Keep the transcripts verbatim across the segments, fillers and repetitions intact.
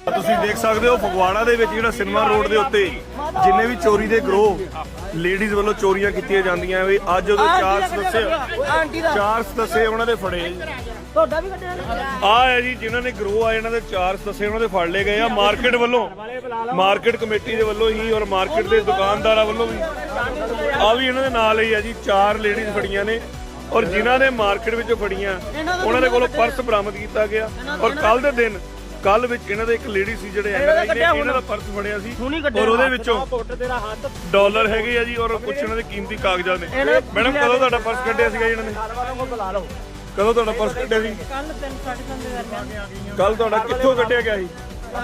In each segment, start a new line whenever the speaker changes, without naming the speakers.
ਤੁਸੀਂ ਦੇਖ ਸਕਦੇ ਹੋ ਫਗਵਾੜਾ ਦੇ ਵਿੱਚ ਜਿਹੜਾ ਸਿਨੇਮਾ ਰੋਡ ਦੇ ਉੱਤੇ ਜਿੰਨੇ ਵੀ ਚੋਰੀ ਦੇ ਗਰੋਹ ਲੇਡੀਜ਼ ਵੱਲੋਂ ਚੋਰੀਆਂ ਕੀਤੀਆਂ ਜਾਂਦੀਆਂ ਵੀ ਅੱਜ ਉਹਦੇ ਚਾਰ ਸਦੱਸੇ ਚਾਰ ਸਦੱਸੇ ਉਹਨਾਂ ਦੇ ਫੜੇ
ਤੁਹਾਡਾ ਵੀ ਕੱਢਿਆ
ਆ ਹੈ ਜੀ ਜਿਨ੍ਹਾਂ ਨੇ ਗਰੋਹ ਆ ਇਹਨਾਂ ਦੇ ਚਾਰ ਸਦੱਸੇ ਉਹਨਾਂ ਦੇ ਫੜ ਲਏ ਗਏ ਆ ਮਾਰਕੀਟ ਵੱਲੋਂ ਮਾਰਕੀਟ ਕਮੇਟੀ ਦੇ ਵੱਲੋਂ ਹੀ ਔਰ ਮਾਰਕੀਟ ਦੇ ਦੁਕਾਨਦਾਰਾਂ ਵੱਲੋਂ ਵੀ ਆ ਵੀ ਇਹਨਾਂ ਦੇ ਨਾਲ ਹੀ ਆ ਜੀ ਚਾਰ ਲੇਡੀਜ਼ ਫੜੀਆਂ ਨੇ ਔਰ ਜਿਨ੍ਹਾਂ ਨੇ ਮਾਰਕੀਟ ਵਿੱਚੋਂ ਫੜੀਆਂ ਉਹਨਾਂ ਦੇ ਕੋਲੋਂ ਪਰਸ ਬਰਾਮਦ ਕੀਤਾ ਗਿਆ ਔਰ ਕੱਲ ਦੇ ਦਿਨ ਕੱਲ ਵਿੱਚ ਇਹਨਾਂ ਦੇ ਇੱਕ ਲੇਡੀ ਸੀ ਜਿਹੜੇ ਐਨਆਰਆਈ ਨੇ ਇਹਨਾਂ ਦਾ ਪਰਸ ਫੜਿਆ ਸੀ ਔਰ ਉਹਦੇ ਵਿੱਚੋਂ ਡਾਲਰ ਹੈਗੇ ਆ ਜੀ ਔਰ ਕੁਝ ਇਹਨਾਂ ਦੇ ਕੀਮਤੀ ਕਾਗਜ਼ਾਤ ਨੇ ਮੈਡਮ ਕਦੋਂ ਤੁਹਾਡਾ ਪਰਸ ਕੱਢਿਆ ਸੀਗਾ ਇਹਨਾਂ ਨੇ ਕਦੋਂ ਤੁਹਾਡਾ ਪਰਸ ਕੱਢਿਆ ਸੀ
ਕੱਲ ਤਿੰਨ ਸਾਢੇ ਤਿੰਨ ਦੇ ਦਰਮਿਆਨ
ਕੱਲ ਤੁਹਾਡਾ ਕਿੱਥੋਂ ਕੱਢਿਆ ਗਿਆ ਸੀ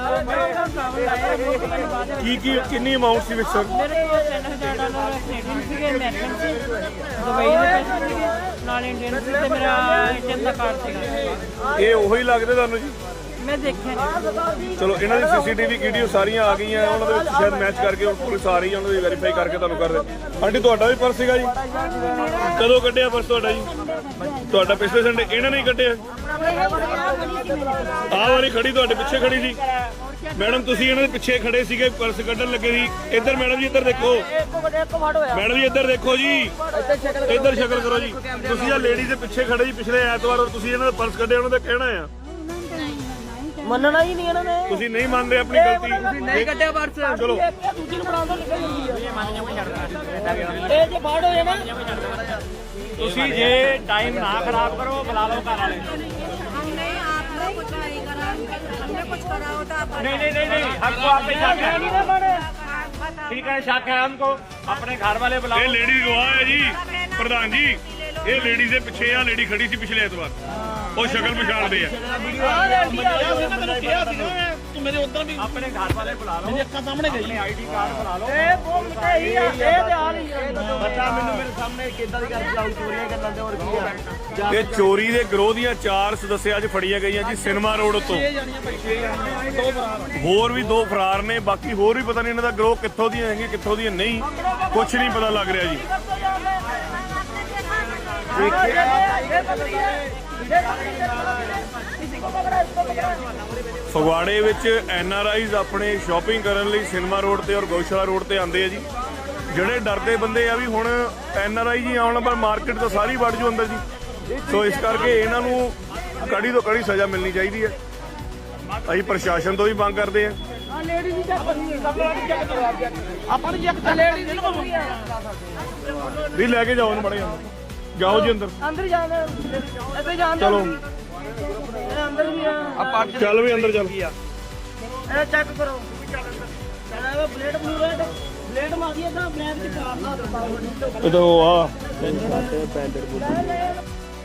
ਕੀ ਕੀ ਕਿੰਨੀ ਅਮਾਉਂਟ ਸੀ ਵਿੱਚ ਸਰ
ਮੇਰੇ ਕੋਲ ਤਿੰਨ ਹਜ਼ਾਰ ਡਾਲਰ ਕੈਨੇਡੀਅਨ ਸੀਗੇ ਅਮਰੀਕਨ ਸੀ ਦੁਬਈ ਦੇ ਪੈਸੇ ਸੀਗੇ ਨਾਲ ਇੰਡੀਅਨ ਸੀ ਤੇ ਮੇਰਾ ਏਟੀਐਮ ਦਾ ਕਾਰਡ ਸੀਗਾ
ਇਹ ਉਹੀ ਲੱਗਦੇ ਤੁਹਾਨੂੰ ਜੀ
ਮੈਂ ਦੇਖਿਆ
ਚਲੋ ਇਹਨਾਂ ਦੀ ਸੀਸੀਟੀਵੀ ਵੀਡੀਓ ਸਾਰੀਆਂ ਆ ਗਈਆਂ ਉਹਨਾਂ ਦੇ ਵਿੱਚ ਸ਼ਾਇਦ ਮੈਚ ਕਰਕੇ ਹੁਣ ਪੁਲਿਸ ਆ ਰਹੀ ਹੈ ਉਹਨਾਂ ਦੀ ਵੈਰੀਫਾਈ ਕਰਕੇ ਤੁਹਾਨੂੰ ਕਰ ਦੇ ਆਂਟੀ ਤੁਹਾਡਾ ਵੀ ਪਰਸ ਸੀਗਾ ਜੀ ਕਦੋਂ ਕੱਢਿਆ ਪਰਸ ਤੁਹਾਡਾ ਜੀ ਤੁਹਾਡਾ ਪਿਛਲੇ ਸੰਡੇ ਇਹਨਾਂ ਨੇ ਹੀ ਕੱਢਿਆ ਆਹ ਵਾਲੀ ਖੜੀ ਤੁਹਾਡੇ ਪਿੱਛੇ ਖੜੀ ਸੀ ਮੈਡਮ ਤੁਸੀਂ ਇਹਨਾਂ ਦੇ ਪਿੱਛੇ ਖੜੇ ਸੀਗੇ ਪਰਸ ਕੱਢਣ ਲੱਗੇ ਸੀ ਇੱਧਰ ਮੈਡਮ ਜੀ ਇੱਧਰ ਦੇਖੋ ਮੈਡਮ ਜੀ ਇੱਧਰ ਦੇਖੋ ਜੀ ਇੱਧਰ ਸ਼ਕਲ ਕਰੋ ਜੀ ਤੁਸੀਂ ਆ ਲੇਡੀ ਦੇ ਪਿੱਛੇ ਖੜੇ ਜੀ ਪਿਛਲੇ ਐਤਵਾਰ ਔਰ ਤੁਸੀਂ ਇਹਨਾਂ ਦਾ ਪਰਸ ਕੱਢਿਆ ਉਹਨਾਂ ਦਾ ਕਹਿਣਾ ਆ
ਮੰਨਣਾ ਹੀ ਨਹੀਂ ਇਹਨਾਂ ਨੇ
ਤੁਸੀਂ ਨਹੀਂ ਮੰਨਦੇ ਆਪਣੀ ਗਲਤੀ
ਤੁਸੀਂ ਨਹੀਂ ਕੱਢਿਆ ਪਰਸ
ਚਲੋ
ਦੂਜੀ ਨੂੰ ਬਣਾਉਣ ਤੋਂ ਨਿਕਲ ਇਹ ਜੇ ਬਾੜ ਹੋ ਜਾਣਾ
ਤੁਸੀਂ ਜੇ ਟਾਈਮ ਨਾ ਖਰਾਬ ਕਰੋ ਬੁਲਾ ਲਓ ਘਰ ਵਾਲੇ नहीं नहीं नहीं नहीं हमको आप पे शक है ठीक है शक है हमको अपने घर वाले बुलाओ
ਇਹ ਲੇਡੀ ਗਵਾਹ ਹੈ ਜੀ ਪ੍ਰਧਾਨ ਜੀ ਇਹ ਲੇਡੀ ਦੇ ਪਿੱਛੇ ਆ ਲੇਡੀ ਖੜੀ ਸੀ ਪਿਛਲੇ ਐਤਵਾਰ ਉਹ ਸ਼ਕਲ ਪਛਾਣਦੇ ਆ
ਤੂੰ ਮੇਰੇ ਉਧਰ ਵੀ ਆਪਣੇ ਘਰ ਵਾਲੇ ਬੁਲਾ ਲਓ ਮੇਰੇ ਅੱਖਾਂ ਸਾਹਮਣੇ ਗਈ ਆਈਡੀ ਕਾਰਡ ਬੁਲਾ ਲਓ
ਇਹ ਬੋਲ ਮਟਾਈ ਆ ਇਹ ਤੇ ਆ ਰਹੀ ਹੈ
ਬੱਚਾ ਮੈਨੂੰ ਮੇਰੇ ਸਾਹਮਣੇ ਕਿੱਦਾਂ ਦੀ ਗੱਲ ਚਲਾਉ ਚੋਰੀਆਂ ਕਰਨ ਦੇ ਹੋਰ ਕੀ ਆ
ਇਹ ਚੋਰੀ ਦੇ ਗਰੋਹ ਦੀਆਂ ਚਾਰ ਸਦੱਸਿਆ ਅੱਜ ਫੜੀਆਂ ਗਈਆਂ ਜੀ ਸਿਨੇਮਾ ਰੋਡ ਉੱਤੋਂ ਹੋਰ ਵੀ ਦੋ ਫਰਾਰ ਨੇ ਬਾਕੀ ਹੋਰ ਵੀ ਪਤਾ ਨਹੀਂ ਇਹਨਾਂ ਦਾ ਗਰੋਹ ਕਿੱਥੋਂ ਦੀਆਂ ਹੈਗੀਆਂ ਕਿੱਥੋਂ ਦੀਆਂ ਨਹੀਂ ਕੁਝ ਨਹੀਂ ਪਤਾ ਲੱਗ ਰਿਹਾ ਜੀ ਫਗਵਾੜੇ ਵਿੱਚ ਐਨ ਆਰ ਆਈਜ਼ ਆਪਣੇ ਸ਼ਾਪਿੰਗ ਕਰਨ ਲਈ ਸਿਨੇਮਾ ਰੋਡ ਤੇ ਔਰ ਗੋਸ਼ਾਲਾ ਰੋਡ ਤੇ ਆਉਂਦੇ ਆ ਜੀ ਜਿਹੜੇ ਡਰਦੇ ਬੰਦੇ ਆ ਵੀ ਹੁਣ ਐਨ ਆਰ ਆਈ ਜੀ ਆਉਣ ਪਰ ਮਾਰਕੀਟ ਤਾਂ ਸਾਰੀ ਵੜ ਜੂ ਅੰਦਰ ਜੀ ਸੋ ਇਸ ਕਰਕੇ ਇਹਨਾਂ ਨੂੰ ਕੜੀ ਤੋਂ ਕੜੀ ਸਜ਼ਾ ਮਿਲਣੀ ਚਾਹੀਦੀ ਹੈ ਅਸੀਂ ਪ੍ਰਸ਼ਾਸਨ ਤੋਂ ਵੀ ਮੰਗ ਕਰਦੇ ਆ
ਆਪਾਂ ਨੂੰ ਚੈੱਕ ਲੇਡੀ ਦੀ
ਵੀ ਲੈ ਕੇ ਜਾਓ ਉਹਨੂੰ ਬੜੇ ਜਾਓ ਜੀ ਅੰਦਰ
ਅੰਦਰ ਜਾਣਾ ਇੱਥੇ ਜਾਣ
ਚਲੋ
ਅੰਦਰ ਵੀ ਆ
ਚੱਲ ਵੀ ਅੰਦਰ ਚੱਲ
ਇਹ ਚੈੱਕ ਕਰੋ ਇਹ ਬਲੇਡ ਬਲੂਡ ਬਲੇਡ ਮਾਰੀ ਇਦਾਂ ਬਲੈਕ ਚ ਕਾਰਨਾ
ਇਹ ਤਾਂ ਉਹ ਆ